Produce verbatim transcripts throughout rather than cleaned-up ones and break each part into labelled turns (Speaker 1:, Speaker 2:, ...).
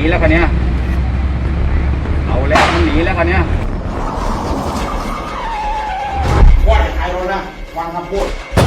Speaker 1: นีแล้วคันเนี้ยเอาแล้วมันหนีแล้วคันเนี้ย
Speaker 2: ว่าจะขายรถนะฟังคำพูด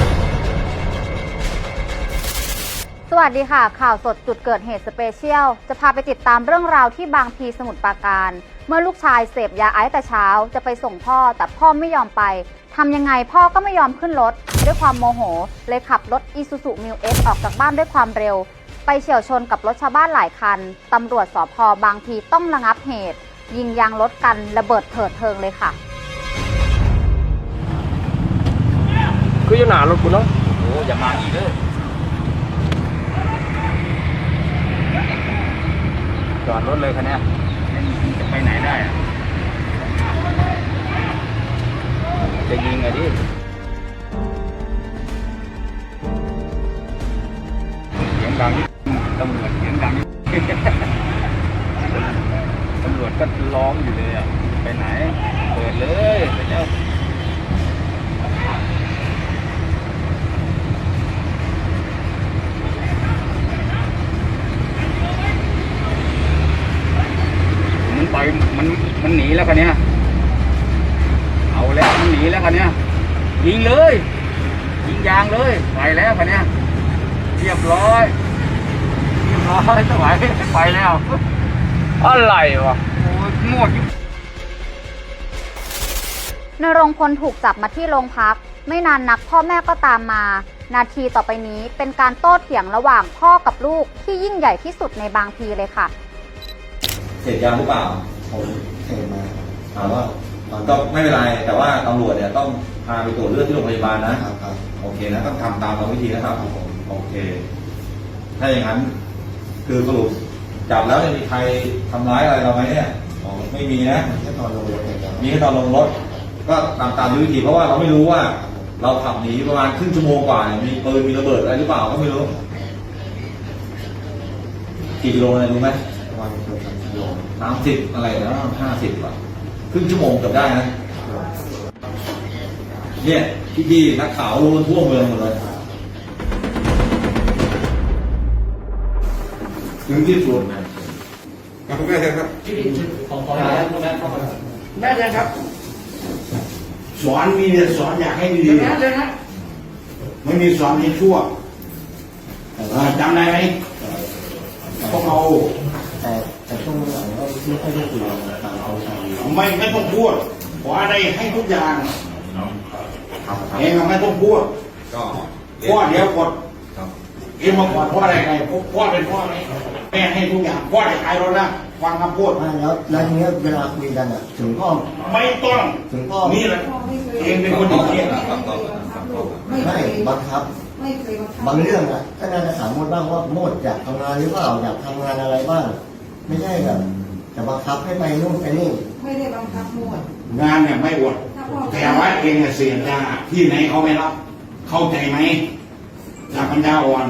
Speaker 3: สวัสดีค่ะข่าวสดจุดเกิดเหตุสเปเชียลจะพาไปติดตามเรื่องราวที่บางพลีสมุทรปราการเมื่อลูกชายเสพยาไอซ์แต่เช้าจะไปส่งพ่อแต่พ่อไม่ยอมไปทำยังไงพ่อก็ไม่ยอมขึ้นรถด้วยความโมโหเลยขับรถอีซูซูมิวเอ็กซ์ออกจากบ้านด้วยความเร็วไปเฉี่ยวชนกับรถชาวบ้านหลายคันตำรวจสภ.บางพลีต้องระงับเหตุยิงยางรถกันระเบิดเถิดเทิงเลยค่ะ
Speaker 4: คือจะหนารถกูเนาะ
Speaker 1: โอ้อย่ามาอีกเลยจอดรถเลยคันเนี้ยจะไปไหนได้อะจะยิงไงดิเสียงดังตำรวจเสียงดังตำรวจก็ร้องอยู่เลยอ่ะไปไหนเปิดเลยไปเจ้ามันไปมันมันหนีแล้วคันเนี้ยเอาแล้วมันหนีแล้วคันเนี้ยยิงเลยยิงยางเลยไปแล้วคันเนี้ยเรียบร้อยเรียบร้อยสบายไปแล้ว
Speaker 4: อะไรวะ
Speaker 1: โอ้ยหมด
Speaker 3: นรงพลถูกจับมาที่โรงพักไม่นานนักพ่อแม่ก็ตามมานาทีต่อไปนี้เป็นการโต้เถียงระหว่างพ่อกับลูกที่ยิ่งใหญ่ที่สุดในบางพลีเลยค่ะ
Speaker 5: เสพยาหรือเปล่า
Speaker 6: ผมเสพมา
Speaker 5: ถามว่าก็ไม่เป็นไรแต่ว่าตำรวจเนี่ยต้องพาไปตรวจเลือดที่โรงพยาบาลนะครับครับโอเคนะต้องทำตามกรรมวิธีนะครับโอเคถ้าอย่างนั้นคือสรุปจับแล้วจะมีใครทำร้ายอะไรเราไหมเนี่ยไม่มีนะ
Speaker 6: แค่ตอนลงรถ
Speaker 5: มีแค่ตอนลงรถก็ตามตามวิธีเพราะว่าเราไม่รู้ว่าเราขับหนีประมาณครึ่งชั่วโมงกว่าเนี่ยมีปืนมีระเบิดอะไรหรือเปล่าก็ไม่รู้กี่กิโลอะไรรู้ไหม
Speaker 6: ประมาณเกือบสามกิโล
Speaker 5: สามสิบอะไรนะห้าสิบกว่าครึ่งชั่วโมงเกือบได้นะเนี่ยพี่พี่นักข่าวรู้ทั่วเมืองหมดเลยถึงที่สุดนะ
Speaker 2: คุณแม่ครับ
Speaker 4: ของของแล้วคุณแม่เข้ามา
Speaker 2: แม่เลยครับสอนมีเนี่ยสอนอยากให้ดีๆเลยนะไม่มีสอนให้ชั่วจำได้ไหมพวกเรา
Speaker 6: แต่แต่ช่วงหลังก็ไม่ค่อยได้คุยกันตามเอาใจ
Speaker 2: ไม่ไม่ต้องพูดขออะไรให้ทุกอย่างเองไม่ต้องพูด
Speaker 5: ก็
Speaker 2: พ่อเดี๋ยวกดเองมาก่อนพ่ออะไรไงพ่อเป็นพ่อไหมแม่ให้ทุกอย่างพ่อจะขายรถนะฟังคำพูด
Speaker 6: แล้วแล้วทีนี้เวลาคุยกันอ่ะถึงพ่อ
Speaker 2: ไม่ต้อง
Speaker 6: ถึงพ่อ
Speaker 2: นี่แหละเองเป็นคนดีเยี่ยม
Speaker 6: ไม่บังคับบางเรื่องอ่ะก็น่าจะถามโมดบ้างว่าโมดอยากทำงานหรือเปล่าอยากทำงานอะไรบ้างไม่ใช่แบบจะบังคับให้ไปนู่นไปนี่
Speaker 7: ไม่ได้บังคับโมด
Speaker 2: งานเนี่ยไม่อวดแต่ว่าเองเสียยาที่ไหนเขาไม่รับเข้าใจไหมจากปัญญาอ่อน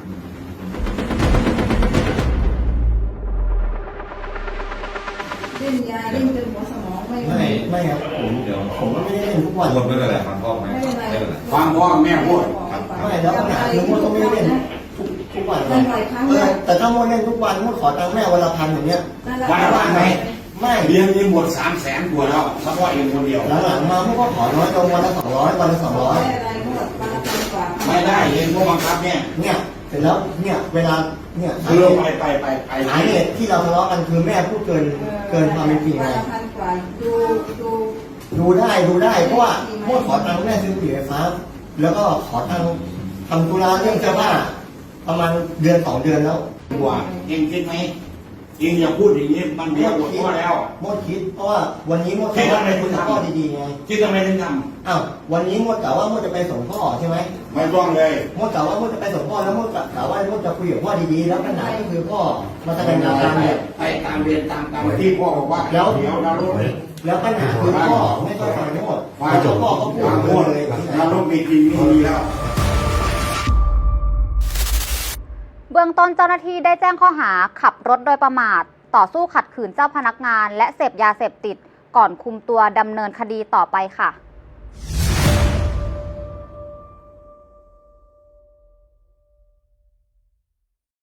Speaker 7: เล่นยาเล่นจนหัวสมองไม่
Speaker 6: ไม่ไม่ครับผมเดี๋ยวผมก็ไม่ได้เล่นทุกวัน
Speaker 5: คนไม่เป็นไรฟังพ่อไหม
Speaker 2: ฟังพ่อแม่พูด
Speaker 6: ไม่แล้วปัญหาคือโมดก็ไม่ได้เล่นทุกทุกวันเลยแต่ถ้าโมดเล่นทุกวันโมดขอตังค์แม่วันละพันอย่างเงี้ย
Speaker 2: วันละพันไหม
Speaker 6: ไม่
Speaker 2: เรียนมีหมดสามแสนกว่าแล้วเฉพาะเองคนเดียว
Speaker 6: หลังๆมาโมดก็ขอน้อยลงวันละสองร้อยวันละสองร้อย
Speaker 2: ไม่ได้เองพวกบังคับเนี่ย
Speaker 6: เนี่ยเสร็จแล้วเนี่ยเวลาเนี่ย
Speaker 2: คือไปไปไปไป
Speaker 6: สาเหตุที่เราทะเลาะกันคือแม่พูดเกินเกินความเป็นจริงไง
Speaker 7: ดูดู
Speaker 6: ดูได้ดูได้เพราะว่าโมดขอตังค์แม่ซื้อปุ๋ยไฟฟ้าแล้วก็ขอตังค์ทำธุระเรื่องเสื้อผ้าประมาณเดือนสองเดือนแล้ว
Speaker 2: กว่าเองคิดไหมเองอย่าพูดอย่างนี้มันเดียวหมดพ่อแล้ว
Speaker 6: โมดคิดเพราะว่าวันนี้โมดคิดว่าเป็นคุณพ่อดีๆไง
Speaker 2: คิดทำไมถึงท
Speaker 6: ำอ้าววันนี้โมดกล่าวว่าโมดจะไปส่งพ่อใช่ไหม
Speaker 2: ไม่ต้องเลย
Speaker 6: โมดกล่าวว่าโมดจะไปส่งพ่อแล้วโมดกล่าวว่าโมดจะคุยกับพ่อดีๆแล้วปัญหาก็คือพ่อมาแสดงอาการเนี่ย
Speaker 2: ไปตามเรียนตามตามที่พ่อบอกว่า
Speaker 6: แล้ว
Speaker 2: เดี๋ยวเราลด
Speaker 6: แล้วปัญหาคือพ่อไม่ต้องฟังโมดแล้วพ่อก็พูดโมดเลย
Speaker 2: เราลดมีจริงมีแล้ว
Speaker 3: เบื้องต้นเจ้าหน้าที่ได้แจ้งข้อหาขับรถโดยประมาทต่อสู้ขัดขืนเจ้าพนักงานและเสพยาเสพติดก่อนคุมตัวดำเนินคดีต่อไปค่ะ